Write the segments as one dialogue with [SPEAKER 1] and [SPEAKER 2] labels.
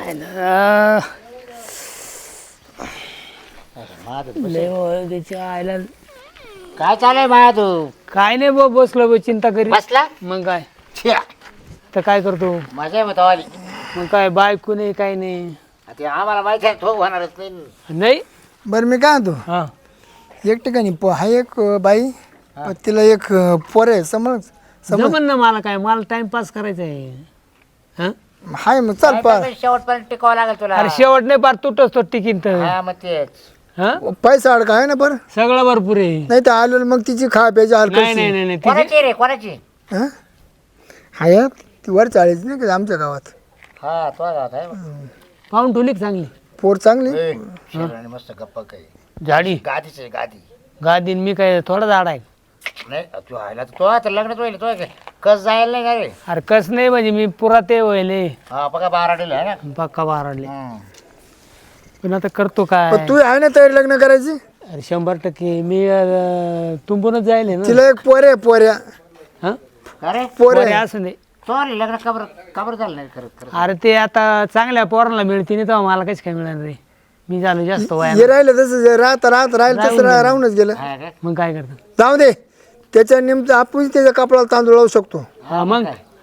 [SPEAKER 1] त्याच्या आईला
[SPEAKER 2] काय चालय माया तू
[SPEAKER 1] काय नाही बा बसलो चिंता करी
[SPEAKER 2] बसला
[SPEAKER 1] मग काय तर काय करतो
[SPEAKER 2] मजा आहे आली
[SPEAKER 1] मग काय बायको नाही काय नाही
[SPEAKER 2] ते आम्हाला माहिती आहे तो होणारच नाही
[SPEAKER 1] नाही
[SPEAKER 3] बरं मी काय म्हणतो
[SPEAKER 1] हा
[SPEAKER 3] एक ठिकाणी हा एक बाई तिला एक पोर आहे समज
[SPEAKER 1] जमन ना मला काय मला टाइमपास करायचा आहे हा
[SPEAKER 3] हाय मग चाल पा
[SPEAKER 2] शेवटपर्यंत टिकावं लागेल तुला
[SPEAKER 1] अरे शेवट नाही पार तुटच तो टिकीन तर
[SPEAKER 2] हा मग तेच
[SPEAKER 1] हा
[SPEAKER 3] पैसा अडका आहे ना बरं
[SPEAKER 1] सगळं भरपूर आहे
[SPEAKER 3] नाही तर आलेलं मग तिची खा प्यायची
[SPEAKER 1] नाही
[SPEAKER 3] हलकायची
[SPEAKER 1] नाही नाही नाही तिची-
[SPEAKER 2] कोणाची रे कोणाची
[SPEAKER 3] हाय ती वर चाळीस नाही का आमच्या गावात
[SPEAKER 2] हा तो गावात आहे
[SPEAKER 1] पाहून ठेवली का चांगली
[SPEAKER 3] पोर चांगली
[SPEAKER 2] ए, शेराने मस्त गप्पा काही
[SPEAKER 1] झाडी
[SPEAKER 2] गादीच आहे गादी
[SPEAKER 1] गादीन मी काय थोडा झाड आहे
[SPEAKER 2] नाही तू आयला तर तो आता लग्न तो तो कस जायला नाही का रे
[SPEAKER 1] अरे कस नाही म्हणजे मी पुरा ते व्हायले
[SPEAKER 2] हा बघा बारा डेल आहे ना
[SPEAKER 1] पक्का बाराडले पण आता करतो काय
[SPEAKER 3] पण तू आहे ना तयारी लग्न करायची
[SPEAKER 1] अरे 100% मी तुंबूनच जायले ना
[SPEAKER 3] तिला एक पोर आहे पोऱ्या
[SPEAKER 1] हा
[SPEAKER 2] अरे
[SPEAKER 3] पोर
[SPEAKER 1] बरे
[SPEAKER 3] आहे
[SPEAKER 1] असं नाही
[SPEAKER 2] तो लग्न कबर कबर झालं नाही करत
[SPEAKER 1] अरे ते आता चांगल्या पोरांना मिळते नाही तेव्हा मला काहीच काय मिळणार रे मी झालो जास्त
[SPEAKER 3] हे
[SPEAKER 1] वया
[SPEAKER 3] राहिलं तसं राहिलं तसं राहूनच गेलं
[SPEAKER 2] हा का?
[SPEAKER 1] मग काय करतो
[SPEAKER 3] जाऊ दे त्याच्या निमित्त आपण त्याच्या कपडाला तांदूळ लावू शकतो
[SPEAKER 1] हा मग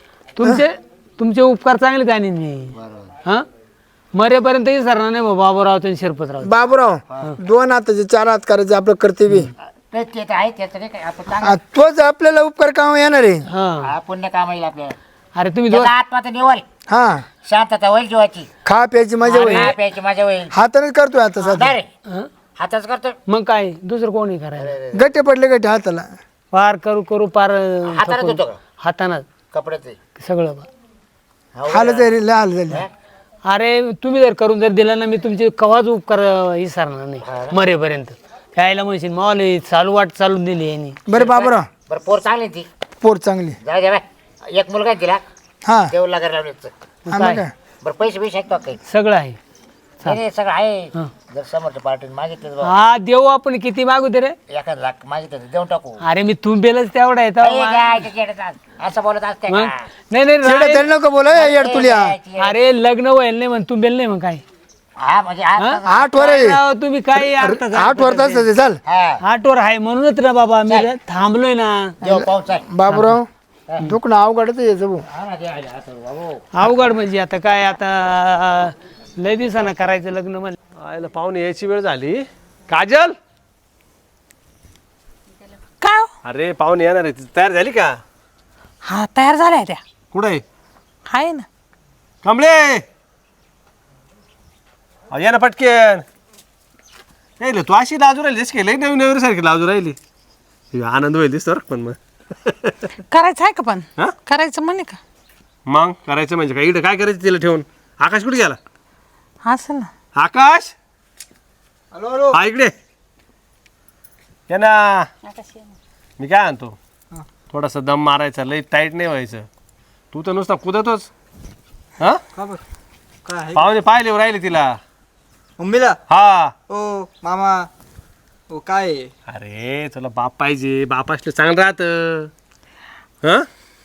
[SPEAKER 1] तुमचे उपकार चांगले जाणीन मी
[SPEAKER 2] बरोबर
[SPEAKER 1] हा मरेपर्यंत विसरणार नाही बाबूराव आणि शिरपतराव
[SPEAKER 3] बाबूराव 2 हाताचे 4 हात करायचे आपलं कर्तव्य
[SPEAKER 2] ते तर आहे त्याचं नाही काय आपण
[SPEAKER 3] तोच आपल्याला उपकार काम येणार आहे
[SPEAKER 1] हा
[SPEAKER 2] हा पुण्य काम येईल आपल्याला
[SPEAKER 1] अरे तुम्ही दोन
[SPEAKER 2] त्याचा आत्मा तर निवल
[SPEAKER 3] हा
[SPEAKER 2] शांतता होईल जीवाची
[SPEAKER 3] खा प्यायची मजा होईल
[SPEAKER 2] हा, प्यायची मजा होईल
[SPEAKER 3] हातानेच करतोय आता सध्या
[SPEAKER 2] रे
[SPEAKER 1] हा?
[SPEAKER 2] हाताच करतो
[SPEAKER 1] मग काय दुसरं कोणी करायला
[SPEAKER 3] गट्टे पडले गट्टे हाताला
[SPEAKER 1] पार करू पार
[SPEAKER 2] हाताने धुतो का
[SPEAKER 1] हातानं
[SPEAKER 2] कपडे ते
[SPEAKER 1] सगळं
[SPEAKER 3] हाल झाली हाल झाली
[SPEAKER 1] अरे तुम्ही जर करून जर दिला ना मी तुमचे कवाच उपकार विसरणार नाही मरेपर्यंत त्याला म्हणशील मावले चालू वाट चालून दिली यांनी
[SPEAKER 3] बरं बाबूराव
[SPEAKER 2] बरं पोर चांगली ती
[SPEAKER 3] पोर चांगली
[SPEAKER 2] जाऊ दे बाय एक मुलगा दिला
[SPEAKER 3] हा
[SPEAKER 2] देऊ लागायला लावले
[SPEAKER 3] हा मग काय
[SPEAKER 2] बरं पैसे पैसे आहेत का काही
[SPEAKER 1] सगळं आहे
[SPEAKER 2] नाही सगळं आहे
[SPEAKER 1] हा.
[SPEAKER 2] जर समोरच्या पार्टीने मागितलं तर
[SPEAKER 1] हा देऊ आपण किती मागू दे रे
[SPEAKER 2] 1 लाख मागितलं तर देऊन टाकू
[SPEAKER 1] अरे मी तुंबेलच तेवढा आहे
[SPEAKER 2] ए,
[SPEAKER 1] तेव्हा
[SPEAKER 2] काय ते येड्यात असं बोलत असते
[SPEAKER 1] मग
[SPEAKER 2] का?
[SPEAKER 1] नाही नाही
[SPEAKER 3] तेवढं
[SPEAKER 1] राय-
[SPEAKER 3] त्याला नको बोला येड तुल्या
[SPEAKER 1] अरे लग्न व्हायला नाही म्हण तुंबेल नाही मग काय
[SPEAKER 2] हा म्हणजे आज
[SPEAKER 3] 8 वर आहे
[SPEAKER 1] राव, तुम्ही काय अर्थ
[SPEAKER 3] 8 वर तास आहे, चाल
[SPEAKER 2] हा
[SPEAKER 1] आठवर आहे म्हणूनच रे बाबा मी थांबलोय ना
[SPEAKER 2] देव पाहून चाल
[SPEAKER 3] बाबूराव दुखणं अवघडच यायचं भाऊ
[SPEAKER 2] हा ना ते आले आता बाबू
[SPEAKER 1] अवघड म्हणजे आता काय आता लय दिवसानं करायचं लग्न म्हणजे
[SPEAKER 4] आयला पाहुणे यायची वेळ झाली काजल
[SPEAKER 5] काय हो?
[SPEAKER 4] अरे पाहुणे येणार आहे तयार झाली का
[SPEAKER 5] हा तयार झाल्या त्या
[SPEAKER 4] कुठं आहे
[SPEAKER 5] आहे ना
[SPEAKER 4] कमळे अहो या ना पटकेन नाही तू अशी लाजू राहिली दिस की लई नवीन नवीन सारखी लाजू राहिली हे आनंद होईल दिसतो पण मग
[SPEAKER 5] करायचं आहे का पण
[SPEAKER 4] हा?
[SPEAKER 5] करायचं म्हणे का
[SPEAKER 4] मग करायचं म्हणजे काय इकडे काय करायचं तिला ठेवून आकाश कुठे गेला
[SPEAKER 5] असेल ना
[SPEAKER 4] आकाश हा इकडे ये ना मी काय आणतो थोडासा दम मारायचा लई टाईट नाही व्हायचं तू तर नुसता कुदतोच हा
[SPEAKER 6] काय
[SPEAKER 4] पाहुणे पाहिले राहिले तिला
[SPEAKER 6] मम्मीला
[SPEAKER 4] हा
[SPEAKER 6] ओ मामा ओ काय
[SPEAKER 4] अरे तुला बाप पाहिजे बाप असलं चांगलं राहतं हा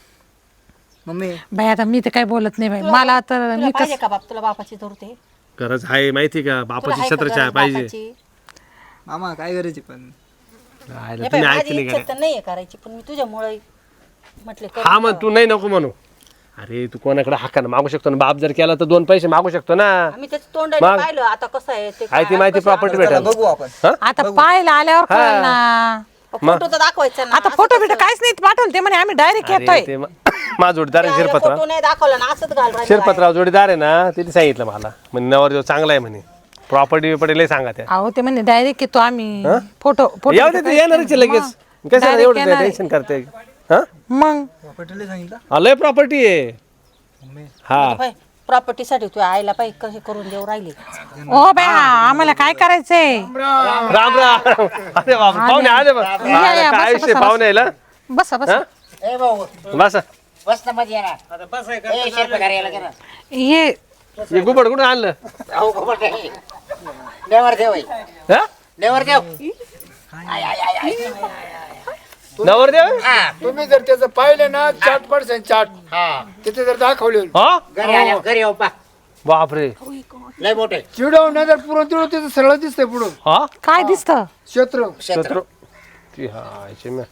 [SPEAKER 6] मम्मी
[SPEAKER 5] बाई आता मी तर काही बोलत नाही बाई मला तर मी
[SPEAKER 7] पाहिजे का बाप तुला बापाची धरते
[SPEAKER 4] गरज आहे माहिती का बापाची छत्रछाया पाहिजे
[SPEAKER 6] मामा काय करायची पण
[SPEAKER 4] राहिलं तुम्ही ऐकते नाही
[SPEAKER 7] इच्छा तर नाहीये करायची पण मी तुझ्यामुळे म्हटले कर
[SPEAKER 4] हा मग तू नाही नको म्हणू अरे तू कोणाकडे हाकानं मागू शकतो ना बाप जर केला तर 2 पैसे मागू शकतो ना
[SPEAKER 7] आम्ही त्याचं तोंडाने
[SPEAKER 4] मग?
[SPEAKER 7] पाहिलं आता कसं आहे ते
[SPEAKER 4] आहे ती माहिती प्रॉपर्टी
[SPEAKER 6] चला
[SPEAKER 4] भेटेल
[SPEAKER 6] बघू आपण
[SPEAKER 5] आता पाहायला आल्यावर कळलं ना
[SPEAKER 7] फोटो तर दाखवायचा ना
[SPEAKER 5] आता फोटो बिटो काहीच नाही पाठवलं ते म्हणे आम्ही डायरेक्ट येतोय
[SPEAKER 4] अरे ते माझा जोडीदार आहे शिरपतराव
[SPEAKER 7] फोटो नाही दाखवला ना असंच घाल राहिलं.
[SPEAKER 4] शिरपतराव जोडीदार आहे ना तिने सांगितलं मला म्हणजे नवर चांगला आहे म्हणे प्रॉपर्टी बिपर्टी लय सांगा त्या
[SPEAKER 5] अहो ते म्हणे डायरेक्ट येतो आम्ही फोटो
[SPEAKER 4] येऊ दे ते येणारच आहे लगेच कसं एवढं टेन्शन करते हा
[SPEAKER 5] मग
[SPEAKER 6] पटेल सांगितलं
[SPEAKER 4] लय प्रॉपर्टी आहे हा
[SPEAKER 7] प्रॉपर्टीसाठी तू आईला पाहिजे कसे करून देऊ राहिले
[SPEAKER 5] ओ बाई आम्हाला काय करायचंय
[SPEAKER 4] राम राम अरे बाप पाहुणे आले बघ
[SPEAKER 5] या,
[SPEAKER 4] काय
[SPEAKER 5] बसा,
[SPEAKER 4] विषय
[SPEAKER 5] बसा,
[SPEAKER 4] पाहुणे यायला
[SPEAKER 5] बसा बसा
[SPEAKER 2] ए भाऊ
[SPEAKER 4] बसा
[SPEAKER 2] बस ना मध्ये येणार ए शेरपे घरी यायला गेला
[SPEAKER 5] हे
[SPEAKER 4] हे गुबड कुठं आणलं
[SPEAKER 2] अहो खबर नाही नेवर देव आहे.
[SPEAKER 4] हा
[SPEAKER 2] नेवर देव आय आय आय आय
[SPEAKER 4] नवरदेव
[SPEAKER 2] हा
[SPEAKER 3] तुम्ही जर त्याचं पाहिलं ना 4% चाट
[SPEAKER 2] हा
[SPEAKER 3] तिथे जर दाखवले
[SPEAKER 4] हा
[SPEAKER 2] घरी आल्या घरी येऊ पा
[SPEAKER 4] बापरे
[SPEAKER 2] लय मोठे
[SPEAKER 3] चिडव नजर पुरण तिळू त्याचं सरळ दिसतंय पुढं
[SPEAKER 4] हा
[SPEAKER 5] काय दिसतं
[SPEAKER 3] क्षेत्र
[SPEAKER 4] शत्रू ती हा चिम्या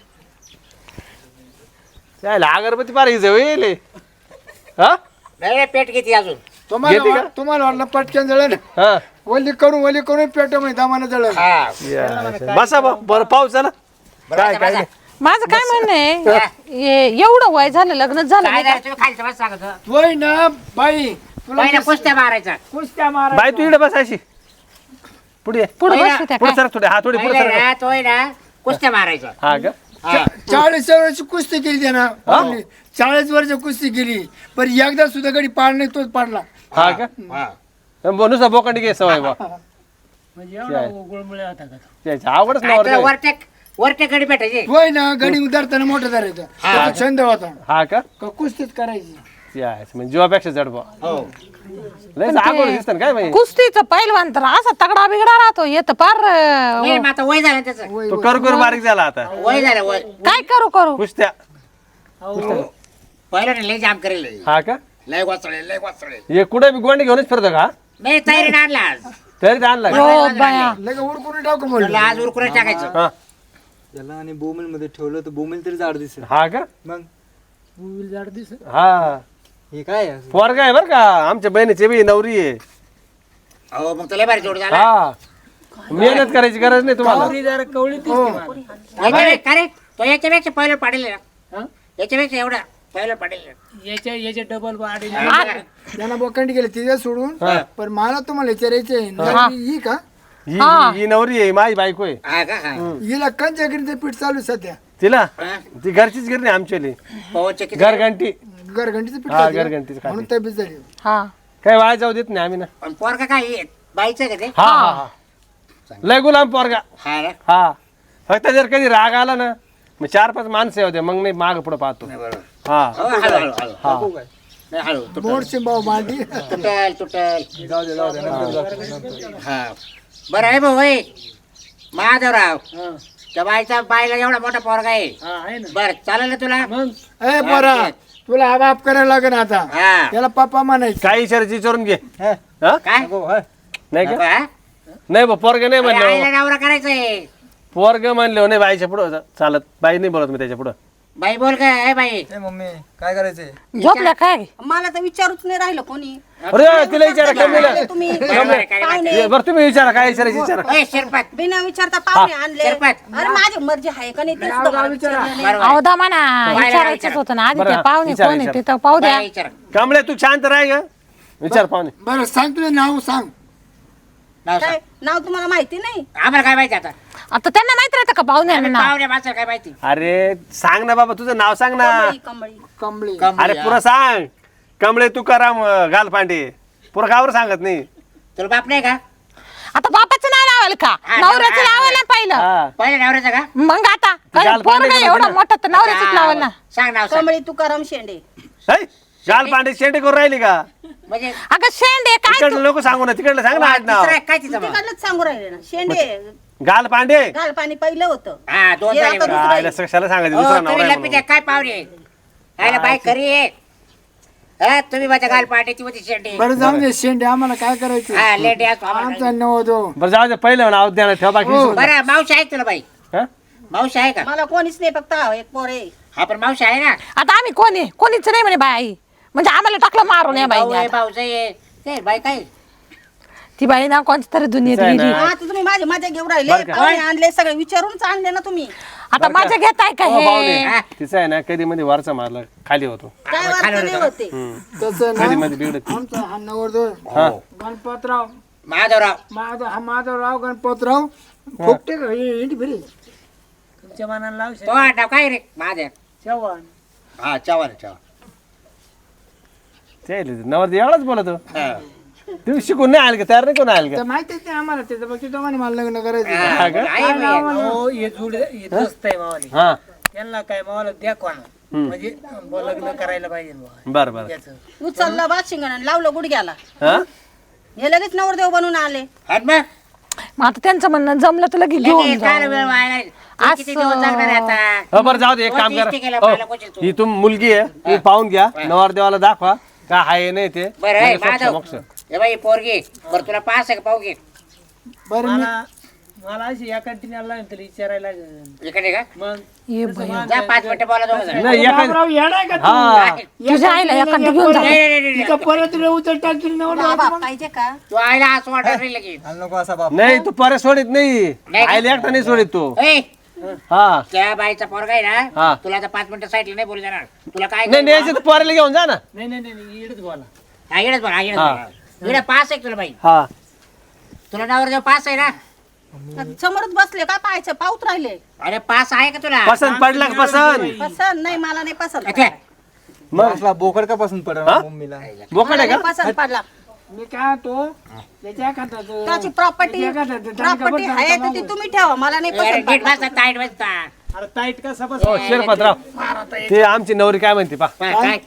[SPEAKER 4] त्याला अगरबत्ती पार जवळ हा
[SPEAKER 2] नाही रे, पेट किती अजून
[SPEAKER 3] तुम्हाला वाटलं पटकन जळेल
[SPEAKER 4] हा
[SPEAKER 3] वली करून पेटामध्ये दामाने जळेल
[SPEAKER 2] हा
[SPEAKER 4] या, बसा बरं पाऊस झाला काय काय नाही.
[SPEAKER 5] माझं काय म्हणणं आहे एवढं वय झालं लग्न झालं
[SPEAKER 2] काय
[SPEAKER 5] नाही
[SPEAKER 2] नाही, तुम्ही खाली बस सांगत होता.
[SPEAKER 3] वय ना बाई तुला
[SPEAKER 2] पहिला कुस्त्या मारायचा
[SPEAKER 3] कुस्त्या मारा
[SPEAKER 4] बाई तू इकडे बसायची पुढे ये.
[SPEAKER 5] पुढे
[SPEAKER 2] पहिला-
[SPEAKER 5] बसू त्या
[SPEAKER 4] पुढे
[SPEAKER 5] काय
[SPEAKER 4] सर थोडे हा थोडी पुढे
[SPEAKER 2] पहिला
[SPEAKER 4] सर
[SPEAKER 2] ना, तोय ना कुस्त्या मारायचा
[SPEAKER 4] हा का
[SPEAKER 3] 40 वर्षाची कुस्ती केली त्यानं 40 वर्ष कुस्ती केली पण एकदा सुद्धा गडी पाड नाही तोच पाडला
[SPEAKER 4] हा का
[SPEAKER 2] हा.
[SPEAKER 4] नुसता बोकांडी घे सवय बा
[SPEAKER 1] म्हणजे एवढा गुळमुळे होता का तो?
[SPEAKER 4] त्याच्या आवडच
[SPEAKER 2] काय तर
[SPEAKER 4] नाही
[SPEAKER 2] वरटेक गडी भेटायची
[SPEAKER 3] वय ना गडी उतरताना मोठा धरायचा त्याचा छंद होता
[SPEAKER 4] हा का
[SPEAKER 3] का कुस्तीच करायची
[SPEAKER 4] यायचं म्हणजे जीवापेक्षा जड बा
[SPEAKER 2] हो
[SPEAKER 4] लय आवड दिसत ना काय बाई
[SPEAKER 5] कुस्तीचं पहिलवान तर असा तगडा बिगडा राहतो येत पार
[SPEAKER 2] नाही, मग आता वय झालं त्याचं
[SPEAKER 4] तो कर बारीक झाला आता
[SPEAKER 2] वय झालं वय
[SPEAKER 5] काय करू करू
[SPEAKER 4] कुस्त्या
[SPEAKER 2] पहिला ना लय जाम करेल
[SPEAKER 4] हा का
[SPEAKER 2] लय वाचळे
[SPEAKER 4] हे कुठे बी गोंडी घेऊनच फिरतो का
[SPEAKER 2] नाही तयारी आणला आज
[SPEAKER 4] तरी ते आणला का?
[SPEAKER 5] हो बाया
[SPEAKER 3] लगे उडकून टाकू
[SPEAKER 2] म्हणलं
[SPEAKER 3] म्हणलं
[SPEAKER 2] आज उरकून टाकायचं
[SPEAKER 4] हा
[SPEAKER 6] त्याला आणि बोमेल मध्ये ठेवलं तर बोमेल तरी जाड दिसेल
[SPEAKER 4] हा का
[SPEAKER 6] मग
[SPEAKER 1] मोबाईल झाड दिसत
[SPEAKER 4] हा
[SPEAKER 6] हे काय आहे?
[SPEAKER 4] पोरगा आहे बर का आमच्या बहिणीची बी नवरी आहे
[SPEAKER 2] हो मग तुला भारी जोड झाला
[SPEAKER 4] हा मेहनत करायची गरज नाही तुम्हाला
[SPEAKER 1] कवळी जरा कवळी दिसते मला.
[SPEAKER 2] याच्यापेक्षा का रे तो याच्यापेक्षा पहिलं पाडेल ना याच्यापेक्षा एवढा पहिलं पाडेल
[SPEAKER 1] याचे डबल वाढी
[SPEAKER 3] त्यांना बोकंडी गेले तिथे सोडून पण मला तुम्हाला विचारायचे ही का
[SPEAKER 4] ही नवरी आहे माझी बायको आहे
[SPEAKER 2] हा का हा
[SPEAKER 3] हिला कंच्या गिरणीचं पीठ चालू आहे सध्या
[SPEAKER 4] तिला
[SPEAKER 2] हा?
[SPEAKER 4] ती घरचीच गिरणी आमच्याली
[SPEAKER 2] पवनचे किती
[SPEAKER 4] घरघंटी
[SPEAKER 3] घरघंटीचं पीठ
[SPEAKER 4] हा
[SPEAKER 3] चालू आहे.
[SPEAKER 4] घरघंटीच
[SPEAKER 3] म्हणून
[SPEAKER 4] खाते
[SPEAKER 3] तब्येत झाली
[SPEAKER 5] हा
[SPEAKER 4] काय वाया जाऊ देत नाही आम्ही ना
[SPEAKER 2] पण पोरका काय आहे? बाईचं का ते
[SPEAKER 4] हा हा हा लय गुलाम पोरगा
[SPEAKER 2] हा ना
[SPEAKER 4] हा फक्त जर कधी राग आला ना मग 4-5 माणसं होते मग नाही माग पुढे पाहतो
[SPEAKER 2] नाही बरोबर
[SPEAKER 4] हा
[SPEAKER 2] हो, हळू हळू हळू
[SPEAKER 4] हा
[SPEAKER 2] नाही हळू तुटल
[SPEAKER 3] मोडचे भाऊ मांडी
[SPEAKER 2] तुटल हा बरं आहे भाऊ होय महादेवराव त्या बाईला एवढा मोठा पोरगा आहे
[SPEAKER 1] आहे ना
[SPEAKER 2] बर चालेल ना तुला
[SPEAKER 1] मग
[SPEAKER 3] ए पोरा तुला हा बाप करायला लागेल आता
[SPEAKER 2] हा
[SPEAKER 3] त्याला पप्पा म्हणायचं
[SPEAKER 4] काही इशाराची विचारून घे हा
[SPEAKER 2] काय
[SPEAKER 4] नाही का
[SPEAKER 2] हा?
[SPEAKER 4] नाही बा पोरग नाही
[SPEAKER 2] अरे,
[SPEAKER 4] म्हणलं
[SPEAKER 2] आईला नवरा करायचंय
[SPEAKER 4] पोरग म्हणलं नाही बाईच्या पुढं चालत बाई नाही बोलत मी त्याच्या पुढं
[SPEAKER 2] बाई बोल काय बाई
[SPEAKER 6] ए मम्मी काय करायचंय
[SPEAKER 5] झोपल्या काय
[SPEAKER 7] मला तर विचारूच नाही राहिलं कोणी
[SPEAKER 4] अरे तिला विचारा कमीला
[SPEAKER 7] तुम्ही
[SPEAKER 2] काय
[SPEAKER 7] पाहुणे
[SPEAKER 4] बरं तुम्ही विचारा काय विचारायची विचारा
[SPEAKER 2] ओय, शिरपात
[SPEAKER 7] बिना विचारता पाहुणे आणले
[SPEAKER 2] शिरपात.
[SPEAKER 7] अरे माझी मर्जी आहे का नाही ते सुद्धा मला विचारलं नाही.
[SPEAKER 2] बरोबर आहे.
[SPEAKER 5] अहो दामाना
[SPEAKER 2] बाहेर
[SPEAKER 5] विचारायचंच
[SPEAKER 2] विचारा.
[SPEAKER 5] होतं ना आधी
[SPEAKER 4] बरं,
[SPEAKER 5] ते पाहुणे
[SPEAKER 4] विचारा,
[SPEAKER 5] कोण आहे
[SPEAKER 4] विचारा.
[SPEAKER 5] ते तर पाहू द्या
[SPEAKER 2] बाई विचारा.
[SPEAKER 4] कांबळे तू शांत राह ग विचार पाहुणे
[SPEAKER 3] बरं सांग तुझं नाव सांग
[SPEAKER 2] नाव सांग.
[SPEAKER 7] काय नाव तुम्हाला माहिती नाही
[SPEAKER 2] आम्हाला काय माहिती आता
[SPEAKER 5] आता त्यांना माहित राहतं का पाहुण्यांना
[SPEAKER 2] आम्ही
[SPEAKER 5] नाव
[SPEAKER 2] पाहुण्या माणसाला काय माहिती
[SPEAKER 4] अरे सांग ना बाबा तुझं नाव सांग ना
[SPEAKER 7] कमळी, कमळी
[SPEAKER 3] कमळे
[SPEAKER 2] कमली,
[SPEAKER 4] अरे
[SPEAKER 2] हा.
[SPEAKER 4] पुरं सांग कमळे तुकाराम गालपांडे पुरं गावर सांगत नाही
[SPEAKER 2] तुला बाप नाही का
[SPEAKER 5] आता बापाचं नाव लावाल का
[SPEAKER 2] हा,
[SPEAKER 5] नवऱ्याचं
[SPEAKER 2] हा,
[SPEAKER 5] लावायला पाहिलं
[SPEAKER 4] हा
[SPEAKER 2] पहिल्या नवऱ्याचा का
[SPEAKER 5] मग आता
[SPEAKER 4] गाल पांडे
[SPEAKER 5] पोरगा
[SPEAKER 4] का
[SPEAKER 5] एवढा
[SPEAKER 4] नको
[SPEAKER 5] मोठा तर नवऱ्याचंच लावाल ना
[SPEAKER 2] सांग नाव सांग
[SPEAKER 7] कमळी तुकाराम शेंडे
[SPEAKER 4] है? गालपांडे शेंडे करून राहिली का
[SPEAKER 2] म्हणजे
[SPEAKER 5] अगं शेंडे काय
[SPEAKER 4] तिकडलं लोक सांगू ना तिकडलं सांग ना आड नाव
[SPEAKER 2] दुसरं काय तिचं मग?
[SPEAKER 7] तिकडलंच सांगू राहिले ना शेंडे
[SPEAKER 4] गालपांडे
[SPEAKER 7] घाल पाणी पहिलं होतं
[SPEAKER 2] हा दोन
[SPEAKER 7] हे
[SPEAKER 2] झाले
[SPEAKER 7] आता
[SPEAKER 2] बरं.
[SPEAKER 7] दुसरं आहे.
[SPEAKER 4] कशाला सांगायचं
[SPEAKER 2] हो,
[SPEAKER 4] दुसरा नाव
[SPEAKER 2] तुम्ही
[SPEAKER 4] आहे
[SPEAKER 2] लपी
[SPEAKER 4] म्हणून.
[SPEAKER 2] द्या, काय पाहुणे आयला बाई खरी आहे हा, तुम्ही माझ्या गाल पाट्याची होती शेंडी
[SPEAKER 3] बरं जाऊ दे शेंडे आम्हाला काय करायचं
[SPEAKER 2] हा लेट या तू आम्हाला.
[SPEAKER 3] आमचा नवदो
[SPEAKER 4] बरं जाऊ दे पहिलं नाव द्या ठेवा बाकी विसरून जा.
[SPEAKER 2] बरं मावशी आहे तुला बाई
[SPEAKER 4] हा?
[SPEAKER 2] मावशी आहे का
[SPEAKER 7] मला कोणीच नाही फक्त हा एक पोर आहे
[SPEAKER 2] हा पण मावशी आहे ना
[SPEAKER 5] आता आम्ही कोणी कोणीच नाही म्हणे बाई म्हणजे आम्हाला टाकलं मारून या
[SPEAKER 2] भाऊ आहे
[SPEAKER 5] बाई
[SPEAKER 2] भाऊच आहे ते बाई काय
[SPEAKER 5] ती बाई ना कोणती तरी दुनियेत
[SPEAKER 4] तिचं आहे
[SPEAKER 5] गेली
[SPEAKER 4] ना.
[SPEAKER 7] हा तर तुम्ही माझी मजा घेऊन राहिले
[SPEAKER 4] बरं का?
[SPEAKER 7] पाहुणे आणले सगळे विचारूनच आणले ना तुम्ही
[SPEAKER 5] आता माझ्या घेताय का
[SPEAKER 4] हो, पाहुणे.
[SPEAKER 5] हे
[SPEAKER 4] तिचं आहे ना कधी मध्ये वरचा मारला खाली होतो
[SPEAKER 7] काय वाटत नाही होते
[SPEAKER 3] तसं
[SPEAKER 4] कधी
[SPEAKER 3] ना
[SPEAKER 4] मध्ये बिघडत
[SPEAKER 3] आमचा हा नवरदो
[SPEAKER 4] हा
[SPEAKER 3] गणपतराव
[SPEAKER 2] माधवराव
[SPEAKER 3] माधवराव गणपतराव फुकटे का इंटी फिरी
[SPEAKER 1] तुमच्या मनाला लावू
[SPEAKER 2] तो नाव काय रे महादेव
[SPEAKER 1] चव्हाण
[SPEAKER 2] हा चव्हाण चव्हाण
[SPEAKER 4] ते नवरती एवढाच बोलतो
[SPEAKER 2] हा.
[SPEAKER 4] तुम्ही शिकून नाही आले का तयार नाही कोण आले का
[SPEAKER 3] तर माहितीच नाही आम्हाला त्याचं बघ तिथं म्हणे मला लग्न करायचं
[SPEAKER 2] हा,
[SPEAKER 4] का?
[SPEAKER 2] आहे बाई.
[SPEAKER 1] हो हे जुड हे दोस्त आहे मावाली
[SPEAKER 4] हा
[SPEAKER 1] त्यांना काय मावाला द्या कोणा म्हणजे लग्न करायला पाहिजे बुवा
[SPEAKER 4] बर बर
[SPEAKER 1] त्याचं
[SPEAKER 7] उचललं बात शिंगण लावलं गुडघ्याला
[SPEAKER 4] हा
[SPEAKER 7] हे लगेच नवरदेव बनून आले
[SPEAKER 2] आणि मग?
[SPEAKER 5] मग आता त्यांचं म्हणणं जमलं तर लगेच घेऊन
[SPEAKER 2] लगेच काय
[SPEAKER 5] जाऊ
[SPEAKER 2] वेळ वाया? तू किती दिवस जगणार आहे आता
[SPEAKER 4] हो बरं जाऊ दे एक
[SPEAKER 2] हो,
[SPEAKER 4] काम
[SPEAKER 2] तीच ती केलं,
[SPEAKER 4] करा
[SPEAKER 2] मला
[SPEAKER 4] हो,
[SPEAKER 2] कोचिल तू.
[SPEAKER 4] ही तुम मुलगी आहे तुम्ही पाहून घ्या नवरदेवाला दाखवा काय आहे नाही ते
[SPEAKER 2] बरं
[SPEAKER 4] म्हणजे
[SPEAKER 2] आहे माधव
[SPEAKER 4] मोक्ष.
[SPEAKER 2] हे बाई पोरगी बरं तुला पास आहे का पाहू घे
[SPEAKER 3] बरं मी
[SPEAKER 1] मला अशी या कंटिन्यूला तरी विचारायला लागेल.
[SPEAKER 2] इकडे का
[SPEAKER 1] मग
[SPEAKER 5] ये भया.
[SPEAKER 2] जा 5 मिनिटं बोला दोघं जण.
[SPEAKER 4] नाही एखादी
[SPEAKER 3] बाबराव येणार का तू?
[SPEAKER 4] हा
[SPEAKER 5] तुझ्या आईला एखादं घेऊन जा.
[SPEAKER 2] नाही, नाही, नाही,
[SPEAKER 3] तिथं परत तुला उचल टाकतील ना
[SPEAKER 7] बाबा पाहिजे का
[SPEAKER 2] तू आईला असं वाटत नाही लगेच
[SPEAKER 6] आणि नको असा बाप
[SPEAKER 4] नाही तू परत सोडित नाही
[SPEAKER 2] नाही.
[SPEAKER 4] आईला एकटा नाही सोडित तू
[SPEAKER 2] ए,
[SPEAKER 4] हा
[SPEAKER 2] त्या बाईचा पोरगा आहे
[SPEAKER 4] हा.
[SPEAKER 2] ना तुला आता 5 मिनिटं साईडला नाही बोलू देणार तुला काय
[SPEAKER 4] नाही न्यायचं तर पोराला घेऊन जा ना
[SPEAKER 1] नाही नाही नाही इकडेच बोला.
[SPEAKER 2] हा, इकडेच बघा इकडेच बघा. इकडे पास आहे का तुला बाई
[SPEAKER 4] हा
[SPEAKER 2] तुला नावर जेव्हा पास आहे ना
[SPEAKER 7] समोरच बसले काय पाहायचं पाऊत राहिले
[SPEAKER 2] अरे पास आहे का तुला
[SPEAKER 4] पसंत पडला का पसंत
[SPEAKER 7] पसंत नाही मला नाही पसंत
[SPEAKER 2] अच्छा.
[SPEAKER 4] मग
[SPEAKER 6] असला बोकड का पसंत पडला
[SPEAKER 4] हा?
[SPEAKER 6] मम्मीला
[SPEAKER 4] बोकड
[SPEAKER 7] मला
[SPEAKER 4] आहे
[SPEAKER 7] नाही
[SPEAKER 4] का
[SPEAKER 7] पसंत पडला
[SPEAKER 3] मी काय तो त्याच्या खातात
[SPEAKER 7] त्याची प्रॉपर्टी आहे तर ती तुम्ही ठेवा मला नाही
[SPEAKER 2] अरे,
[SPEAKER 7] पसंत
[SPEAKER 2] नीट
[SPEAKER 7] पडला.
[SPEAKER 2] बसा, टाईट बसता.
[SPEAKER 1] अरे टाईट कसा बस
[SPEAKER 4] हो शिरपतराव ते आमची नवरी काय म्हणते पा
[SPEAKER 2] काय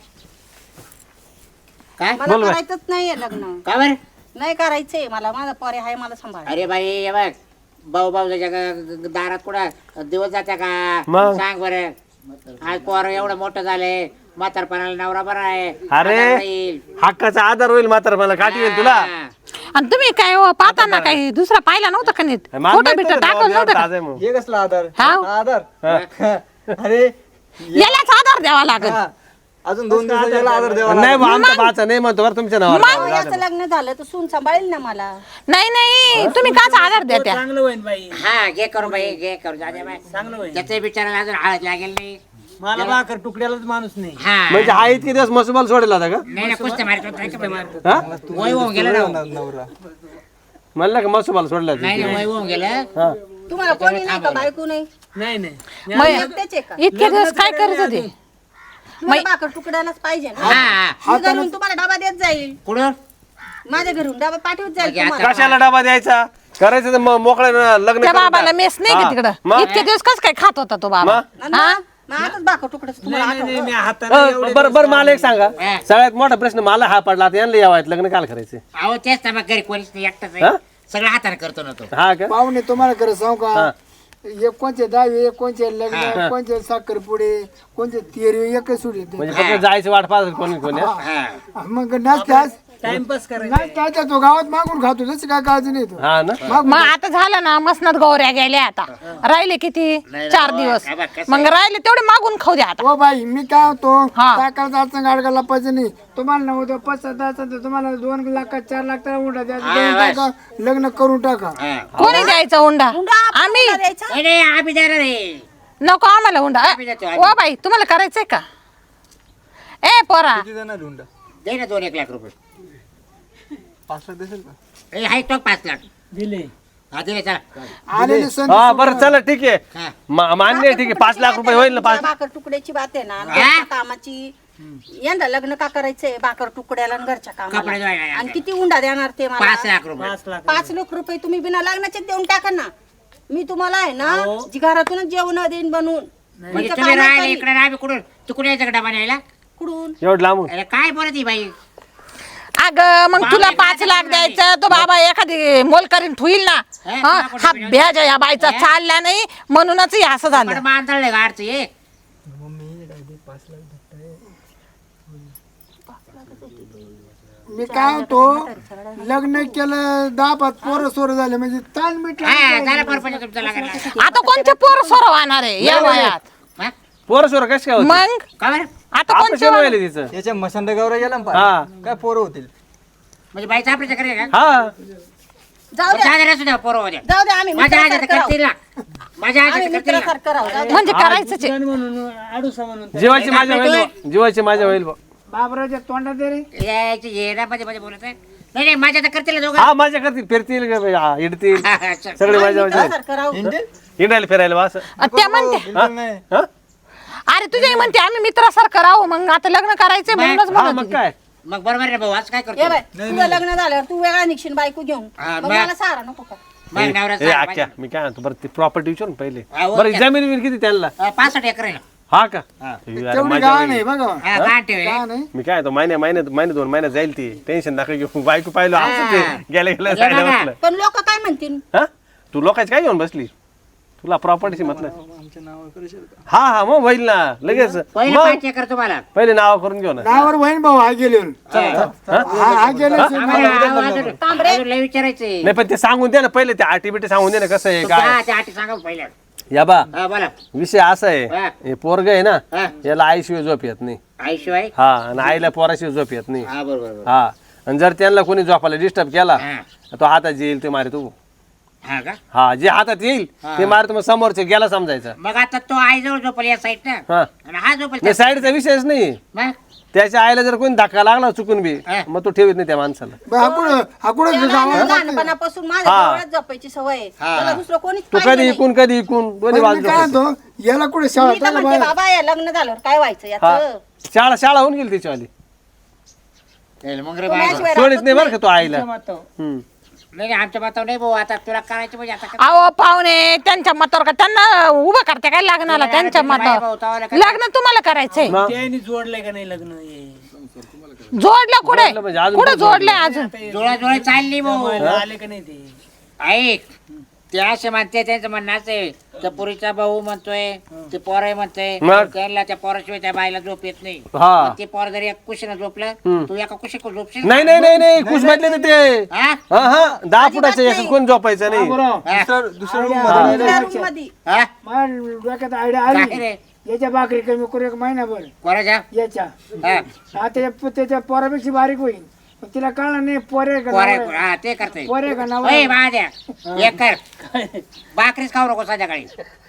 [SPEAKER 2] काय
[SPEAKER 7] मला
[SPEAKER 4] बोल बाई.
[SPEAKER 7] करायचंच नाहीये लग्न
[SPEAKER 2] का बरं
[SPEAKER 7] नाही करायचंय मला माझा पोरे आहे मला सांभाळ
[SPEAKER 2] अरे बाई हे बघ भाऊ भाऊच्या दारात कुठं दिवस जात्या का
[SPEAKER 4] मग?
[SPEAKER 2] सांग बरं आज पोर एवढं मोठं झालंय म्हातारपणाला नवरा बरा आहे
[SPEAKER 4] अरे
[SPEAKER 2] आधार राहील.
[SPEAKER 4] हक्काचा आधार होईल मात्र मला काठी येईल तुला
[SPEAKER 2] हा.
[SPEAKER 5] आणि तुम्ही काय हो, पाहताना काही दुसरा पाहिला नव्हता का नीट
[SPEAKER 4] मला
[SPEAKER 5] फोटो
[SPEAKER 4] माहित
[SPEAKER 5] बिटो
[SPEAKER 4] नव्हतं
[SPEAKER 5] टाकलं
[SPEAKER 4] भाऊ,
[SPEAKER 5] नव्हतं का?
[SPEAKER 4] ताजा आहे म्हणून.
[SPEAKER 6] हे कसला आधार
[SPEAKER 5] हा?
[SPEAKER 6] हा, आधार
[SPEAKER 4] हा.
[SPEAKER 6] अरे
[SPEAKER 5] यालाच आधार द्यावा लागेल.
[SPEAKER 6] हा. अजून 2 दिवसात याला आधार द्यावा
[SPEAKER 4] नाही
[SPEAKER 6] लागेल.
[SPEAKER 4] बा, आमचा बाचा नाही म्हणतो बरं तुमच्या नावावर
[SPEAKER 7] याचं लग्न झालं तर सून सांभाळेल ना मला
[SPEAKER 5] नाही नाही तुम्ही काचा आधार द्या त्या
[SPEAKER 1] चांगलं होईल बाई
[SPEAKER 2] हा घे करू बाई घे करू जाऊ बाई
[SPEAKER 1] चांगलं होईल.
[SPEAKER 2] त्याचे बिचारायला अजून हळद लागेल नाही
[SPEAKER 1] मला भाकर तुकड्यालाच माणूस नाही.
[SPEAKER 2] हा
[SPEAKER 4] म्हणजे हा इतके दिवस मसुबाल सोडेल होता का
[SPEAKER 2] नाही ना कुस्त्या मारत होता, नाही का बाई मारत?
[SPEAKER 4] हा
[SPEAKER 2] वय होऊन गेलं ना हो.
[SPEAKER 6] नवरा
[SPEAKER 4] म्हणलं का मसुबाल सोडला
[SPEAKER 2] नाही नाही, वय होऊन गेलं
[SPEAKER 4] हा
[SPEAKER 7] तुम्हाला कोणी नाही का बायको नाही
[SPEAKER 1] नाही नाही
[SPEAKER 5] मग
[SPEAKER 7] एकटेच आहे का
[SPEAKER 5] इतके दिवस काय करत होते
[SPEAKER 7] मला भाकर तुकड्यालाच पाहिजे ना
[SPEAKER 2] हा
[SPEAKER 7] मी घरून तुम्हाला डबा देत जाईल
[SPEAKER 2] कुठं
[SPEAKER 7] माझ्या घरून डबा पाठवत जाईल
[SPEAKER 2] मग आता-
[SPEAKER 7] तुम्हाला
[SPEAKER 4] कशाला डबा द्यायचा करायचं तर मोकळं लग्न
[SPEAKER 5] त्या
[SPEAKER 4] करून
[SPEAKER 5] बाबाला
[SPEAKER 4] टाक.
[SPEAKER 5] मेस नाही का
[SPEAKER 4] हा.
[SPEAKER 5] तिकडं
[SPEAKER 4] मग?
[SPEAKER 5] इतके दिवस कस काय खात होता तो बाबा
[SPEAKER 7] आणि मग आताच भाकर तुकड्याच तुम्हाला
[SPEAKER 1] नाही नाही मी
[SPEAKER 7] आठवलं.
[SPEAKER 1] हाताने
[SPEAKER 4] बरं बरं मला एक सांगा
[SPEAKER 2] हा.
[SPEAKER 4] सगळ्यात मोठा प्रश्न मला हा पडला आता यांना यावायत लग्न काल करायचे
[SPEAKER 2] अहो तेच तर मग घरी कोणीच नाही एकटाच
[SPEAKER 4] हा?
[SPEAKER 2] आहे सगळं हाताने करतो ना तो
[SPEAKER 4] हा का
[SPEAKER 3] पाहुणे तुम्हाला खरं सांगू
[SPEAKER 4] हा.
[SPEAKER 3] का एक कोणचे दहावी एक कोणचे लग्न कोणचे साखरपुडे कोणचे तेरवी एकच सुटी
[SPEAKER 4] म्हणजे फक्त जायचं वाट पाहत कोणी कोणी हा?
[SPEAKER 2] हा
[SPEAKER 3] मग नाचतास
[SPEAKER 1] टाइमपास करायचा.
[SPEAKER 3] नाचता तो गावात मागून खातो जसं काय काळजी नाही तो
[SPEAKER 4] हा ना
[SPEAKER 5] मग आता झालं ना मसनात गौऱ्या गेल्या आता राहिले किती 4 दिवस
[SPEAKER 2] हा बघ, कसं
[SPEAKER 5] मग राहिले तेवढे मागून खाऊ द्या आता
[SPEAKER 3] ओ बाई मी काय होतो
[SPEAKER 5] हा.
[SPEAKER 3] टाकायचा अडचण गाडगाला पाहिजे नाही तुम्हाला नव्हतं 5-7 तुम्हाला 2 लाख 4 लाख तर उंडा द्या देऊन टाका लग्न करून टाका
[SPEAKER 2] हा.
[SPEAKER 5] कोणी द्यायचा हुंडा
[SPEAKER 7] हुंडा आपण
[SPEAKER 5] आम्ही
[SPEAKER 7] हुंडा द्यायचा?
[SPEAKER 2] नाही नाही आम्ही देणार आहे
[SPEAKER 5] नको आम्हाला हुंडा
[SPEAKER 2] आम्ही देतो, आम्ही.
[SPEAKER 5] ओ बाई तुम्हाला करायचंय का ए पोरा
[SPEAKER 6] किती देणार हुंडा
[SPEAKER 2] दे ना 2-1 लाख रुपये
[SPEAKER 6] 5 लाख देशील का
[SPEAKER 2] ए हाय तो 5 लाख
[SPEAKER 1] दिले
[SPEAKER 2] हा दिले चला
[SPEAKER 3] आलेले सण
[SPEAKER 4] हा बरं चला ठीक आहे
[SPEAKER 2] हा.
[SPEAKER 4] मान्य आहे, ठीक आहे 5 लाख रुपये होईल ना 5
[SPEAKER 7] भाकर तुकड्याची बात आहे ना घरच्या कामाची यंदा लग्न का करायचंय भाकर तुकड्याला आणि घरच्या
[SPEAKER 2] कपडे
[SPEAKER 7] कामाला
[SPEAKER 2] धुवायला.
[SPEAKER 7] आणि किती उंडा देणार ते
[SPEAKER 2] 5
[SPEAKER 7] मला
[SPEAKER 2] लाख रुपये
[SPEAKER 1] 5 लाख
[SPEAKER 7] 5 लाख रुपये तुम्ही बिना लग्नाचे देऊन टाका ना मी तुम्हाला आहे ना जी घरातूनच जेवण देईन बनवून
[SPEAKER 2] म्हणजे
[SPEAKER 7] तुमचं
[SPEAKER 2] तुम्ही
[SPEAKER 7] काम
[SPEAKER 2] राहिले
[SPEAKER 7] करीन.
[SPEAKER 2] इकडे आम्ही कुठून तिकडून यायचं का डबा न्यायला
[SPEAKER 7] कुठून
[SPEAKER 4] एवढं लांबून
[SPEAKER 2] अरे काय बोलत ही बाई
[SPEAKER 5] अग मग तुला 5 लाख द्यायचं तो बाबा एखादी मोल करीन ठुईल ना हा हा भ्याज या बाईचा चालला नाही म्हणूनच हे असं झालं
[SPEAKER 2] पण मांदळले गाडचं ये
[SPEAKER 3] मी काय होतो लग्न केलं 10-5 पोरं सोरं झाले म्हणजे ताल मिटला
[SPEAKER 2] हा झालं परपंच तुमचं लागला
[SPEAKER 5] आता कोणते पोर सोरवणार आहे या वयात
[SPEAKER 2] हा?
[SPEAKER 4] पोरं सोरं कसं काय होती
[SPEAKER 5] मग
[SPEAKER 2] का बरं
[SPEAKER 5] आता कोणते
[SPEAKER 4] ऑपरेशन व्हायला तिचं
[SPEAKER 6] याच्या मशांड गौऱ्या गेला ना
[SPEAKER 4] हा.
[SPEAKER 6] पाय. काय पोरं होतील
[SPEAKER 2] म्हणजे बाईचा ऑपरेशन करेल का
[SPEAKER 4] हा
[SPEAKER 7] जाऊ द्या
[SPEAKER 2] साधारण सुद्धा पोरं होत्या
[SPEAKER 7] जाऊ द्या आम्ही
[SPEAKER 2] माझ्या आजात
[SPEAKER 7] मित्रासारखं राहू.
[SPEAKER 2] करतील ना माझ्या
[SPEAKER 7] आम्ही
[SPEAKER 2] आजात करतील ना
[SPEAKER 7] मित्रासारखं राहू जाऊ द्या.
[SPEAKER 5] म्हणजे करायचंच आहे.
[SPEAKER 1] म्हणून आडूसा म्हणून
[SPEAKER 4] जीवाची माझ्या होईल बुवा. जीवाची माझ्या होईल बुवा.
[SPEAKER 3] बाबराच्या तोंडात दे रे
[SPEAKER 2] यायची येडा मध्ये मध्ये बोलत आहे नाही नाही माझ्या तर करतील ना दोघं
[SPEAKER 4] हा माझ्या करतील फिरतील का बाई, हा, इडतील
[SPEAKER 2] हा, हा, चल.
[SPEAKER 4] सगळे माझ्या माझ्या
[SPEAKER 7] मित्रासारखं राहू
[SPEAKER 4] इंडायला फिरायला बा असं
[SPEAKER 5] त्या म्हणते
[SPEAKER 6] बिलकुल नाही
[SPEAKER 4] हा?
[SPEAKER 5] अरे तुझे म्हणते आम्ही मित्रासारखं राहू मग आता लग्न करायचंय म्हणूनच
[SPEAKER 4] हा
[SPEAKER 5] म्हणत
[SPEAKER 4] मग
[SPEAKER 5] होती.
[SPEAKER 4] काय
[SPEAKER 2] मग बरोबर आहे भाऊ असं काय
[SPEAKER 7] ये
[SPEAKER 2] करतो
[SPEAKER 7] बाय तुझं लग्न झाल्यावर तू वेगळा निघशील बायको घेऊन
[SPEAKER 2] हा,
[SPEAKER 7] मग
[SPEAKER 2] मग-
[SPEAKER 7] मला सहारा नको का
[SPEAKER 2] मग
[SPEAKER 4] ए,
[SPEAKER 2] नवऱ्याचा
[SPEAKER 4] आख्या मी काय म्हणतो बरं ते प्रॉपर्टी विचारून पहिले
[SPEAKER 2] हा, हो,
[SPEAKER 4] बरं
[SPEAKER 2] त्या-
[SPEAKER 4] जमीन बिमीन किती त्यांना
[SPEAKER 2] 65 एकर आहे ना
[SPEAKER 4] हा का
[SPEAKER 2] हा.
[SPEAKER 4] अरे,
[SPEAKER 3] तेवढी
[SPEAKER 4] माझ्या
[SPEAKER 3] गाव
[SPEAKER 4] बाई.
[SPEAKER 3] नाही बघा
[SPEAKER 2] हा गाण ठेव
[SPEAKER 3] का नाही
[SPEAKER 4] मी काय तो महिने 2 महिन्यात जाईल ती टेन्शन नका घेऊ बायको पाहिलं असं ते गेल्या
[SPEAKER 2] हे
[SPEAKER 4] जायला
[SPEAKER 2] बघा.
[SPEAKER 4] म्हटलं
[SPEAKER 7] पण लोक काय म्हणतील
[SPEAKER 4] हा तू लोकांची काय घेऊन बसली तुला प्रॉपर्टीशी मतलब
[SPEAKER 6] आमच्या नावावर करू का?
[SPEAKER 4] हा हा मग होईल ना लगेच
[SPEAKER 2] पहिलं
[SPEAKER 4] मग
[SPEAKER 2] 5 एकर तुम्हाला
[SPEAKER 4] पहिले नाव करून घेऊ ना
[SPEAKER 3] नावावर वहीन भाऊ हा गेले हा गेले
[SPEAKER 2] आम्हाला अजून लय विचारायचंय
[SPEAKER 4] नाही पण ते सांगून दे ना पहिले ते आटी सांगून दे ना कसं आहे काय
[SPEAKER 2] त्या आठी सांगा पहिल्या
[SPEAKER 4] या बा
[SPEAKER 2] हा बोला
[SPEAKER 4] विषय असा आहे
[SPEAKER 2] हा.
[SPEAKER 4] हे पोरग आहे ना
[SPEAKER 2] हा.
[SPEAKER 4] याला आईशिवाय झोप येत नाही
[SPEAKER 2] आईशिवाय
[SPEAKER 4] हा आणि आईला पोराशिवाय झोप येत नाही
[SPEAKER 2] हा बरोबर
[SPEAKER 4] हा आणि जर त्यांना कोणी झोपायला डिस्टर्ब केला
[SPEAKER 2] हा.
[SPEAKER 4] तो हातात येईल ते मारे तू
[SPEAKER 2] हा का
[SPEAKER 4] हा जे हातात येईल ते मारे मग समोरचे गेला समजायचं
[SPEAKER 2] मग आता तो आईजवळ झोपल या साईड ना
[SPEAKER 4] हा
[SPEAKER 2] आणि हा झोपल
[SPEAKER 4] नाही साईडचा विषयच नाही
[SPEAKER 2] मग
[SPEAKER 4] त्याच्या आईला जर कोणी धक्का लागला चुकून बी
[SPEAKER 2] हा.
[SPEAKER 4] मग तो ठेवत नाही त्या माणसाला
[SPEAKER 3] हाकुड
[SPEAKER 7] त्याला लहानपणापासून माझ्या डोळ्यात झोपायची सवय आहे. त्याला दुसरं कोणीच
[SPEAKER 4] तू
[SPEAKER 7] पाहिजे
[SPEAKER 4] कधी
[SPEAKER 7] नाही.
[SPEAKER 4] इकून कधी इकून दोन्ही बाजू
[SPEAKER 3] काय म्हणतो याला कुठे शाळा
[SPEAKER 7] मी तर म्हणते बाबा या लग्न झाल्यावर काय व्हायचं याचं
[SPEAKER 4] शाळा होऊन गेली तिच्यावाली
[SPEAKER 2] मग रे
[SPEAKER 7] तो
[SPEAKER 2] बाबा.
[SPEAKER 7] माझ्याशिवाय
[SPEAKER 4] सोडीत नाही बरं का तो आईला
[SPEAKER 2] नाही आमच्या बातावर नाही भाऊ आता तुला करायचं म्हणजे आता काय?
[SPEAKER 5] अहो पाहुणे त्यांच्या मतावर का त्यांना उभं करते काय लग्नाला त्यांच्या मतावर लग्न तुम्हाला करायचंय
[SPEAKER 1] त्यांनी जोडलंय का नाही लग्न हे?
[SPEAKER 5] जोडलं कुठे
[SPEAKER 4] म्हणजे अजून
[SPEAKER 5] कुठे जोडलंय अजून
[SPEAKER 2] जोळा जोळा चालली भाऊ
[SPEAKER 1] आले का नाही ते
[SPEAKER 2] ऐक ते असे म्हणते त्यांचं म्हणणं असं आहे त्या पुरीचा भाऊ म्हणतोय ते पोरही म्हणतोय
[SPEAKER 4] मग?
[SPEAKER 2] त्याला त्या पोराशिवाय त्या बाईला झोप येत नाही
[SPEAKER 4] हा
[SPEAKER 2] ते पोर जरी एक कुशीनं झोपलं तू एका कुशी झोपशील
[SPEAKER 4] नाही नाही नाही नाही खुश म्हटले ना ते
[SPEAKER 2] हा?
[SPEAKER 4] हा हा 10 फुटाचं एका कोण झोपायचं नाही
[SPEAKER 6] दुसऱ्या रूम मध्ये
[SPEAKER 7] दुसऱ्या room मध्ये
[SPEAKER 2] हा?
[SPEAKER 3] डोक्यात आयडिया
[SPEAKER 2] काय
[SPEAKER 3] आली
[SPEAKER 2] रे
[SPEAKER 3] याच्या भाकरी कमी करू एक महिनाभर
[SPEAKER 2] कोणाच्या
[SPEAKER 3] याच्या
[SPEAKER 2] हा.
[SPEAKER 3] त्याच्या पोरापेक्षा बारीक होईल पण तिला कळलं नाही पोरे का
[SPEAKER 2] पोरे
[SPEAKER 3] नवरा आहे.
[SPEAKER 2] हा ते करते
[SPEAKER 3] पोरे का नवरा
[SPEAKER 2] ओय
[SPEAKER 3] आहे.
[SPEAKER 2] माझ्या एक कर भाकरीच खाऊ नको संध्याकाळी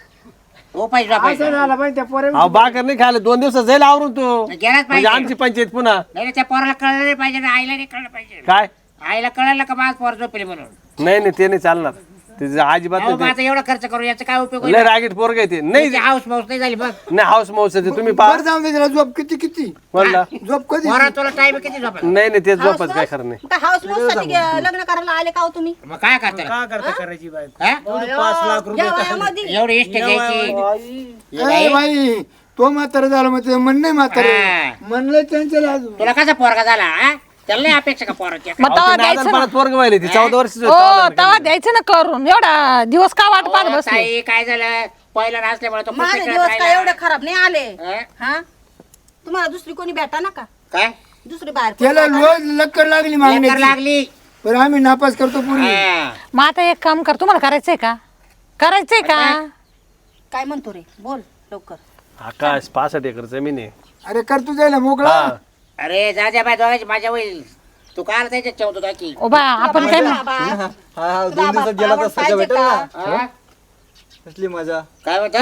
[SPEAKER 2] हो पाहिजे
[SPEAKER 3] असं
[SPEAKER 2] झोपायचं.
[SPEAKER 3] झालं पाहिजे त्या पोरे
[SPEAKER 4] अहो बाकर नाही खायला 2 दिवसात जाईल आवरून तो
[SPEAKER 2] गेलाच
[SPEAKER 4] म्हणजे
[SPEAKER 2] पाहिजे
[SPEAKER 4] आमची पंचायत पुन्हा
[SPEAKER 2] नाही रे, त्या पोराला कळलं नाही पाहिजे ना आईला नाही कळलं पाहिजे
[SPEAKER 4] काय
[SPEAKER 2] आईला कळलं का माझ पोर झोपेल म्हणून
[SPEAKER 4] नाही नाही ते नाही चालणार ते अजिबात
[SPEAKER 2] अहो, मग
[SPEAKER 4] नाही
[SPEAKER 2] आता एवढा खर्च करू याचा काय उपयोग
[SPEAKER 4] ते. लय रागीट पोरग आहे ते नाही
[SPEAKER 2] हाऊस माऊस नाही झाली बघ
[SPEAKER 4] नाही हाऊस माऊस आहे ते तुम्ही पहा
[SPEAKER 3] बरं जाऊन दे त्याला झोप किती
[SPEAKER 4] म्हणला
[SPEAKER 3] झोप कधी
[SPEAKER 2] पोरा तुला टाइम किती झोपेल
[SPEAKER 4] नाही नाही ते झोपच काय खरं नाही
[SPEAKER 7] काय हाऊस माऊस साठी लग्न करायला आले का हो तुम्ही
[SPEAKER 2] मग काय करता
[SPEAKER 1] का करता करायची बायको
[SPEAKER 2] हा?
[SPEAKER 1] 5 लाख रुपये
[SPEAKER 7] या वयामध्ये
[SPEAKER 2] एवढी इष्ट घ्यायची
[SPEAKER 3] ए बाई तो म्हातारा झाला मग ते म्हण नाही म्हातारे
[SPEAKER 2] हा.
[SPEAKER 3] म्हणलं त्यांच्या अजून
[SPEAKER 2] तुला कसा पोरगा झाला हा? त्याला नाही अपेक्षा का पोराची
[SPEAKER 5] मग तवा द्यायचं ना
[SPEAKER 4] पोरग व्हायला ती 14 वर्ष
[SPEAKER 5] हो तवा द्यायचं ना करून एवढा दिवस का वाट पाहत बसले
[SPEAKER 2] ताई काय झालं पहिला नसल्यामुळे तो
[SPEAKER 7] माझे
[SPEAKER 2] प्रत्येक
[SPEAKER 7] दिवस
[SPEAKER 2] वेळेस
[SPEAKER 7] काय एवढे
[SPEAKER 2] राहिला.
[SPEAKER 7] खराब नाही आले
[SPEAKER 2] हा?
[SPEAKER 7] हा तुम्हाला दुसरी कोणी भेटा ना का
[SPEAKER 2] काय
[SPEAKER 7] दुसरी बाहेर
[SPEAKER 3] त्याला रोज लक्कर लागली
[SPEAKER 2] लेकर
[SPEAKER 3] मागण्याची
[SPEAKER 2] लागली
[SPEAKER 3] पण आम्ही नापास करतो पूर्वी
[SPEAKER 2] हा.
[SPEAKER 5] मग आता एक काम कर तुम्हाला करायचंय का करायचंय का
[SPEAKER 7] काय म्हणतो रे बोल लवकर
[SPEAKER 4] आकाश 65 एकर जमीन आहे
[SPEAKER 3] अरे कर तू जायला मोकळा
[SPEAKER 4] हा.
[SPEAKER 2] अरे जा बाय दोघांची माझ्या होईल तू काय त्याच्यात ठेवतो की
[SPEAKER 5] ओ बा आपण काय म्हण-
[SPEAKER 7] बाबा,
[SPEAKER 6] हा
[SPEAKER 7] तुला
[SPEAKER 6] 2 दिवसात गेला तर
[SPEAKER 7] आवड
[SPEAKER 6] सजा
[SPEAKER 7] पाहिजे
[SPEAKER 6] भेटेल
[SPEAKER 7] का?
[SPEAKER 6] ना
[SPEAKER 2] हा?
[SPEAKER 6] कसली मजा
[SPEAKER 2] काय म्हणतो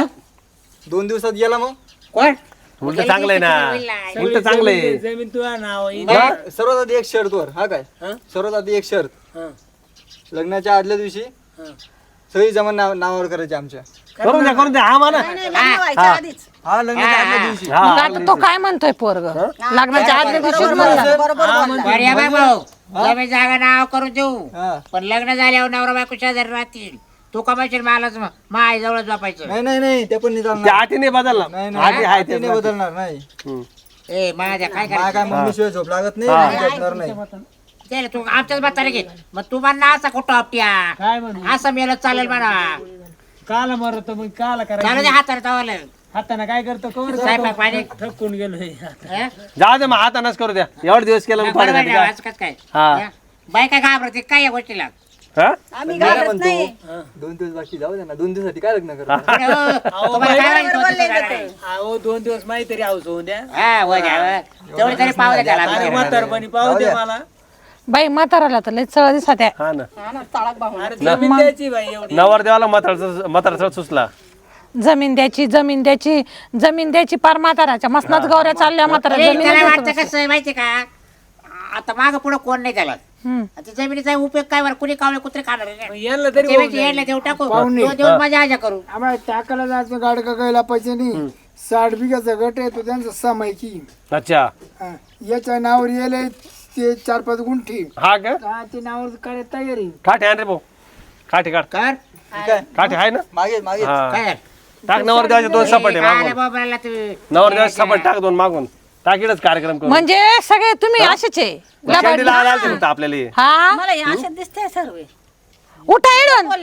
[SPEAKER 6] 2 दिवसात गेला मग
[SPEAKER 2] कोण
[SPEAKER 4] उलट चांगलं आहे ना उलट चांगलं आहे
[SPEAKER 1] जमीन तुझ्या नाव
[SPEAKER 6] सर्वात आधी एक शर्त वर हा काय सर्वात आधी एक शर्त लग्नाच्या आदल्या दिवशी सगळी जमान नावावर करायची आमच्या
[SPEAKER 4] करून द्या हा म्हणा
[SPEAKER 7] नाही, नाही, लग्न व्हायच्या आधीच
[SPEAKER 6] हा लग्नाच्या आदल्या दिवशी
[SPEAKER 4] हा
[SPEAKER 5] मग आता तो काय म्हणतोय पोरग लग्नाच्या आदल्या दिवशीच
[SPEAKER 7] बरोबर
[SPEAKER 5] म्हणला
[SPEAKER 7] बोलला, बरोबर बोलला.
[SPEAKER 2] बरं या बाय भाऊ जमीन जागा नाव करून देऊ
[SPEAKER 6] हा
[SPEAKER 2] पण लग्न झाल्यावर नवरा बायको शेजारी राहतील तू कमायशील मालाच मा आई जवळ झोपायचं
[SPEAKER 6] नाही नाही नाही ते पण नाही
[SPEAKER 4] त्या
[SPEAKER 6] चालणार
[SPEAKER 4] आटी नाही बदलला
[SPEAKER 6] नाही
[SPEAKER 4] आटी आहे
[SPEAKER 6] नाही नाही बदलणार नाही
[SPEAKER 4] हम्म.
[SPEAKER 2] ए माझ्या काय
[SPEAKER 6] मला काय
[SPEAKER 2] करायचं
[SPEAKER 6] मम्मी शिवाय झोप लागत नाही आणि झोपणार नाही
[SPEAKER 2] त्याला तू आमच्याच म्हातारे घे मग तू म्हणा असा कुठं आपट्या
[SPEAKER 1] काय म्हणू
[SPEAKER 2] असं मेलं चालेल म्हणा
[SPEAKER 1] काला मरतो मग काला
[SPEAKER 2] चालू
[SPEAKER 1] करायचं
[SPEAKER 2] दे हाताने तवाला
[SPEAKER 1] हाताने काय करतो कवर
[SPEAKER 2] स्वयंपाक पाणी
[SPEAKER 1] थकून गेलोय
[SPEAKER 2] हं?
[SPEAKER 4] जाऊ दे मग हातानच करू द्या एवढे दिवस केलं मग
[SPEAKER 2] बरोबर
[SPEAKER 4] पाण्यासाठी
[SPEAKER 2] आहे,
[SPEAKER 4] काय
[SPEAKER 2] आज कसं काय
[SPEAKER 4] हा.
[SPEAKER 2] हं? बाई काय घाबरते काय या गोष्टीला
[SPEAKER 4] हा?
[SPEAKER 7] आम्ही
[SPEAKER 6] मला
[SPEAKER 7] घाबरत नाही
[SPEAKER 6] म्हणतो 2 दिवस बाकी जाऊ दे ना 2 दिवसासाठी काय लग्न करतो
[SPEAKER 2] पुढे हो, तुम्हाला काय माहिती होतं ते झालं नाही?
[SPEAKER 1] अहो 2 दिवस माहिती तरी हाऊस होऊन द्या
[SPEAKER 2] हा, वर द्या, वर. तेवढी तरी पाहू द्या
[SPEAKER 1] आणि
[SPEAKER 2] त्याला
[SPEAKER 1] म्हातारपणी पाहू दे मला
[SPEAKER 5] बाई म्हाताराला तर लय चळ दिसत आहे
[SPEAKER 4] हा ना
[SPEAKER 7] हा ना, चाळक भाऊ
[SPEAKER 1] अरे जमीन द्यायची बाई एवढी
[SPEAKER 4] नवरदेवाला म्हातारा सुचला
[SPEAKER 5] जमीन द्यायची पार म्हाताराच्या मसनाच गौऱ्या चालल्या म्हातारा
[SPEAKER 2] ए,
[SPEAKER 5] जमीन
[SPEAKER 2] त्याला
[SPEAKER 5] देतो.
[SPEAKER 2] वाटतं कसं आहे माहिती का आता माग पुढे कोण नाही त्याला
[SPEAKER 5] हम्म.
[SPEAKER 2] आता जमिनीचा उपयोग काय बरं कुणी कावळे कुत्रे खाणार आहे
[SPEAKER 1] मग
[SPEAKER 2] ना?
[SPEAKER 1] यांना तरी
[SPEAKER 2] त्यापेक्षा यायला देऊ टाकू तो देऊन माझ्या आजा करू
[SPEAKER 3] आम्हाला टाकायला जायचं गाड गायला पैसे नाही 60 बिघाचा गट आहे तो त्यांचा समायकी
[SPEAKER 4] अच्छा
[SPEAKER 3] हा. याच्या नावावर येले ते 4-5 गुंठी
[SPEAKER 4] हा का
[SPEAKER 3] हा ते नावावर काय तयारी
[SPEAKER 4] काठी आण रे भाऊ काठी काढ
[SPEAKER 2] कर
[SPEAKER 4] काठी आहे ना
[SPEAKER 6] मागे मागे
[SPEAKER 4] हा
[SPEAKER 2] काय
[SPEAKER 4] टाक नवरदेवाचे 2 सपाटे
[SPEAKER 2] काय
[SPEAKER 4] मागून
[SPEAKER 2] बाबाला तू
[SPEAKER 4] नवरदेवाचे सपाट टाक 2 मागून टाकीडच कार्यक्रम करू
[SPEAKER 5] म्हणजे सगळे तुम्ही असेच आहे
[SPEAKER 4] शेंडी लावायला आलते फक्त आपल्याला हे.
[SPEAKER 5] हा
[SPEAKER 7] मला हे असे दिसते सर्व
[SPEAKER 5] उठा इडून
[SPEAKER 7] बोलले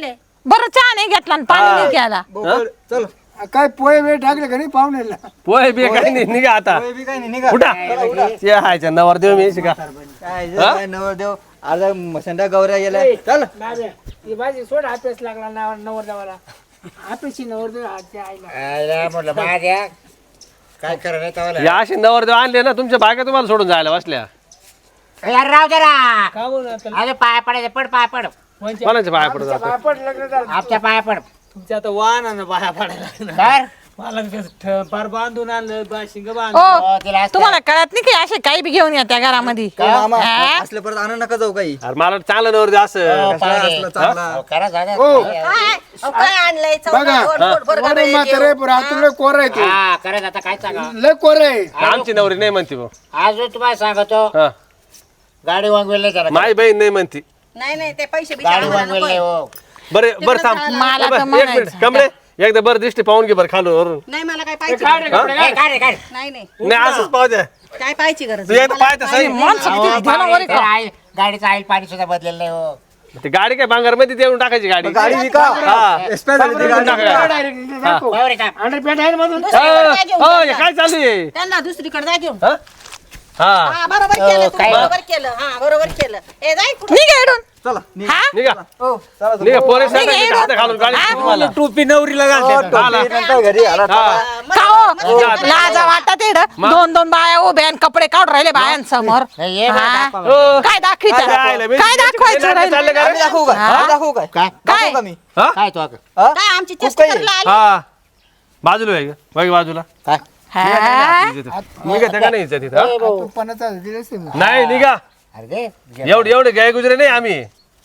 [SPEAKER 5] बरं चहा नाही घेतला आणि पाणी नाही घ्यायला
[SPEAKER 6] बोकड, चल
[SPEAKER 3] काय पोहे वेळ टाकले का नाही पाहुण्याला
[SPEAKER 4] पोहे बी काही नाही निघा आता
[SPEAKER 6] पोहे बी काही नाही निघा
[SPEAKER 4] उठा ते हायच्या नवर देऊ मी शिका
[SPEAKER 6] काय जे काय नवरदेव अर्धा मसंडा गौऱ्या गेल्या चल
[SPEAKER 3] ही भाजी सोड हापेस लागला नवर देवाला हापेशी नवर देव आईला
[SPEAKER 2] आयला म्हटलं माझ्या काय करा नाही तवाला
[SPEAKER 4] या असे नवर देव आणले ना तुमच्या बायका तुम्हाला सोडून जायला बसल्या
[SPEAKER 2] यार राव जरा
[SPEAKER 3] का बोलू आता
[SPEAKER 2] अरे पाया पडायचं पड पाया पड
[SPEAKER 4] कोणाच्या बाया पडत जातो
[SPEAKER 3] पापड लग्न झालं
[SPEAKER 2] आमच्या पाया पड
[SPEAKER 1] तुमच्या आता वाहन ना बाया पाडायला लागणार.
[SPEAKER 2] कर
[SPEAKER 1] मला फार बांधून आणलं शिंग
[SPEAKER 5] ओ
[SPEAKER 2] हो, तिला असं-
[SPEAKER 5] तुम्हाला कळत नाही की असे काही बी घेऊन या त्या घरामध्ये
[SPEAKER 6] मामा
[SPEAKER 5] हा?
[SPEAKER 6] असलं परत आणू नका जाऊ काही
[SPEAKER 4] अरे मला चांगलं नवर दे असं
[SPEAKER 2] हो,
[SPEAKER 6] कसला
[SPEAKER 2] पाय.
[SPEAKER 6] असलं चांगला
[SPEAKER 2] हो, करा जागा.
[SPEAKER 7] काय आणलंय
[SPEAKER 3] बघा वरून म्हातारे रात्री कोर आहे ते
[SPEAKER 2] हा करा आता काय सांगा
[SPEAKER 3] लय कोर आहे
[SPEAKER 4] आमची नवरी नाही म्हणती भाऊ
[SPEAKER 2] अजून तुम्हाला सांगतो
[SPEAKER 4] हा
[SPEAKER 2] गाडी वांगवेल जरा
[SPEAKER 4] माई बहीण नाही म्हणती
[SPEAKER 7] नाही नाही ते पैसे
[SPEAKER 2] गाडी वांगवेल नाही हो
[SPEAKER 4] बरं थांब
[SPEAKER 5] मला तर
[SPEAKER 4] एक मिनिट
[SPEAKER 5] म्हणायचं.
[SPEAKER 4] कमळे एकदा बरं दिसते पाहून घे बरं खालून वरून
[SPEAKER 7] नाही मला काय पाहिजे
[SPEAKER 2] ए, काढ रे, काढ.
[SPEAKER 7] नाही नाही
[SPEAKER 4] नाही असंच पाहू द्या
[SPEAKER 7] काय पाहिजे गरज
[SPEAKER 4] तू एकदा पाहता सही
[SPEAKER 5] माणसं
[SPEAKER 2] अहो,
[SPEAKER 5] किती ध्यानावर आहे
[SPEAKER 2] बाई,
[SPEAKER 5] का?
[SPEAKER 2] आईल- गाडीचं आईल पाणी सुद्धा बदलेलं नाही हो
[SPEAKER 4] ती गाडी काय भांगार मध्ये देऊन टाकायची गाडी
[SPEAKER 6] गाडी विका
[SPEAKER 4] हा.
[SPEAKER 6] एक्सपायर झाली ती गाडी
[SPEAKER 4] हा.
[SPEAKER 2] बरोबर आहे का?
[SPEAKER 3] अंडरपॅन्ट आहे ना मधून
[SPEAKER 7] दुसरीकडे जा घेऊन
[SPEAKER 4] हो,
[SPEAKER 7] त्यांना.
[SPEAKER 4] हे काय चालू आहे
[SPEAKER 7] त्यांना दुसरीकडे जा घेऊन
[SPEAKER 4] हा? हा
[SPEAKER 7] हा बरोबर केलं तुम्ही,
[SPEAKER 2] काय?
[SPEAKER 7] बरोबर केलं हा बरोबर केलं ए जाय कुठं
[SPEAKER 5] निघा इकडून.
[SPEAKER 6] चला निघ.
[SPEAKER 5] हा
[SPEAKER 4] निघा
[SPEAKER 6] हो चला
[SPEAKER 4] निघा पोरे
[SPEAKER 5] निघा इकडून.
[SPEAKER 4] हात घालून गाडी तुम्हाला
[SPEAKER 1] टोपी नवरीला घालते
[SPEAKER 6] नंतर घरी आला
[SPEAKER 5] का हो? लाजा वाटत इकडं दोन दोन बाया उभ्या आणि कपडे काढून राहिले बायांसमोर
[SPEAKER 2] नाही, ये बरं,
[SPEAKER 5] हा?
[SPEAKER 2] दाखवा.
[SPEAKER 5] काय दाखवायचं
[SPEAKER 4] जायला, मी
[SPEAKER 5] काय दाखवायचं
[SPEAKER 4] चाललं
[SPEAKER 5] राहिलं?
[SPEAKER 4] का?
[SPEAKER 6] आम्ही दाखवू का आम्ही दाखवू काय
[SPEAKER 2] काय
[SPEAKER 6] दाखवू का मी
[SPEAKER 2] काय तो आता?
[SPEAKER 7] काय आमची
[SPEAKER 6] खूप
[SPEAKER 7] चेष्टा
[SPEAKER 6] काही
[SPEAKER 7] करायला आली
[SPEAKER 4] हा बाजूला आहे का बघ बाजूला
[SPEAKER 2] काय
[SPEAKER 5] हा?
[SPEAKER 4] निघा त्या का नाही इथं तिथं हा?
[SPEAKER 3] तू पणाचा दिलेस ना
[SPEAKER 4] नाही निघा
[SPEAKER 2] अरे दे
[SPEAKER 4] एवढे गाय गुजरे नाही आम्ही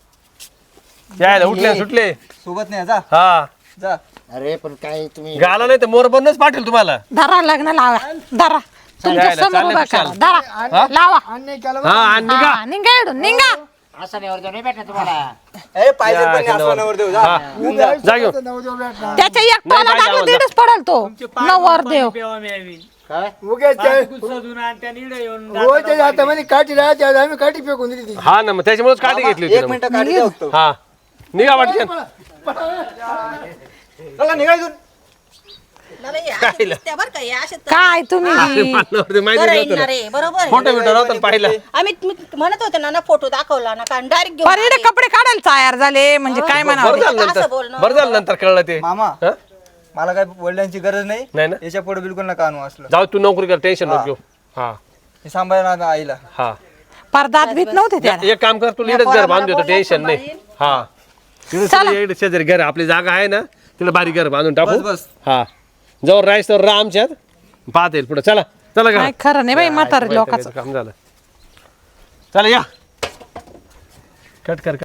[SPEAKER 4] यायला उठले सुटले
[SPEAKER 6] सोबत नाही जा
[SPEAKER 4] हा
[SPEAKER 6] जा
[SPEAKER 2] अरे पण काय तुम्ही
[SPEAKER 4] गाला नाही तर मोर बनच पाठेल तुम्हाला
[SPEAKER 5] धरा लग्न लावा धरा तुमच्या
[SPEAKER 4] चालेल,
[SPEAKER 5] समोर
[SPEAKER 4] चालेल,
[SPEAKER 5] उभा करा
[SPEAKER 4] चालेल.
[SPEAKER 5] धरा लावा
[SPEAKER 3] अन्याय केला
[SPEAKER 4] हा आणि निघा
[SPEAKER 5] हा, निघा इकडून निघा
[SPEAKER 2] असं नाही वर्ग नाही भेटणार तुम्हाला
[SPEAKER 6] ए पाहिजे पण नाही
[SPEAKER 4] या,
[SPEAKER 6] असं नवरदेव जा
[SPEAKER 4] हा. जा घेऊन
[SPEAKER 3] नवदेव भेटला
[SPEAKER 5] त्याच्या एक
[SPEAKER 4] नाही
[SPEAKER 5] पाला
[SPEAKER 4] पाहिजे
[SPEAKER 5] टाकलं
[SPEAKER 4] आम्हाला.
[SPEAKER 5] तिथेच पडल तो नवर देव
[SPEAKER 2] काय
[SPEAKER 3] उगेच
[SPEAKER 1] सजून आणि त्या निडं येऊन
[SPEAKER 3] रोजच्या हातामध्ये काठी राहते आज आम्ही काठी फेकून दिली ती
[SPEAKER 4] हा ना मग त्याच्यामुळेच काठी घेतली होती
[SPEAKER 6] एक
[SPEAKER 4] ना मग.
[SPEAKER 6] मिनिट काढी जाऊ
[SPEAKER 4] हा निघा वाटते
[SPEAKER 6] चला निघायचं
[SPEAKER 7] मला हे असे दिसते बरं का हे असे तर-
[SPEAKER 5] काय तुम्ही
[SPEAKER 4] माहिती
[SPEAKER 7] बरं
[SPEAKER 4] नव्हतं
[SPEAKER 7] येणार
[SPEAKER 4] ना.
[SPEAKER 7] आहे, बरोबर आहे.
[SPEAKER 4] फोटो बिटो नव्हता पाहिला
[SPEAKER 7] आम्ही मी म्हणत होते ना फोटो दाखवला ना कारण डायरेक्ट घेऊन
[SPEAKER 5] पर इकडे कपडे काढायला तयार झाले म्हणजे काय म्हणावं
[SPEAKER 4] बरं झालं
[SPEAKER 7] असं
[SPEAKER 4] नंतर
[SPEAKER 7] बोलणं.
[SPEAKER 4] बरं झालं नंतर कळलं ते
[SPEAKER 6] मामा
[SPEAKER 4] हा?
[SPEAKER 6] मला काय वडिलांची गरज नाही
[SPEAKER 4] नाही ना
[SPEAKER 6] याच्या पुढे बिलकुल नका आणू असलं
[SPEAKER 4] जाऊ तू नोकरी कर टेन्शन नको घेऊ हा
[SPEAKER 6] हे सांभाळा ना आईला
[SPEAKER 4] हा
[SPEAKER 5] परदात भीत नव्हते त्याला
[SPEAKER 4] एक काम कर तू लीडच घर बांधू देतो टेन्शन नाही हा तिकडे शेजारी घर आपली जागा आहे ना तिला बारीक घर बांधून टाकू
[SPEAKER 6] बस, बस.
[SPEAKER 4] हा जवळ राहायचं तर राहा आमच्यात पाहता येईल पुढे चला चला
[SPEAKER 5] काय
[SPEAKER 4] का
[SPEAKER 5] खरं नाही बाई म्हातारे लोकांचं
[SPEAKER 4] काम झालं चला या कट कर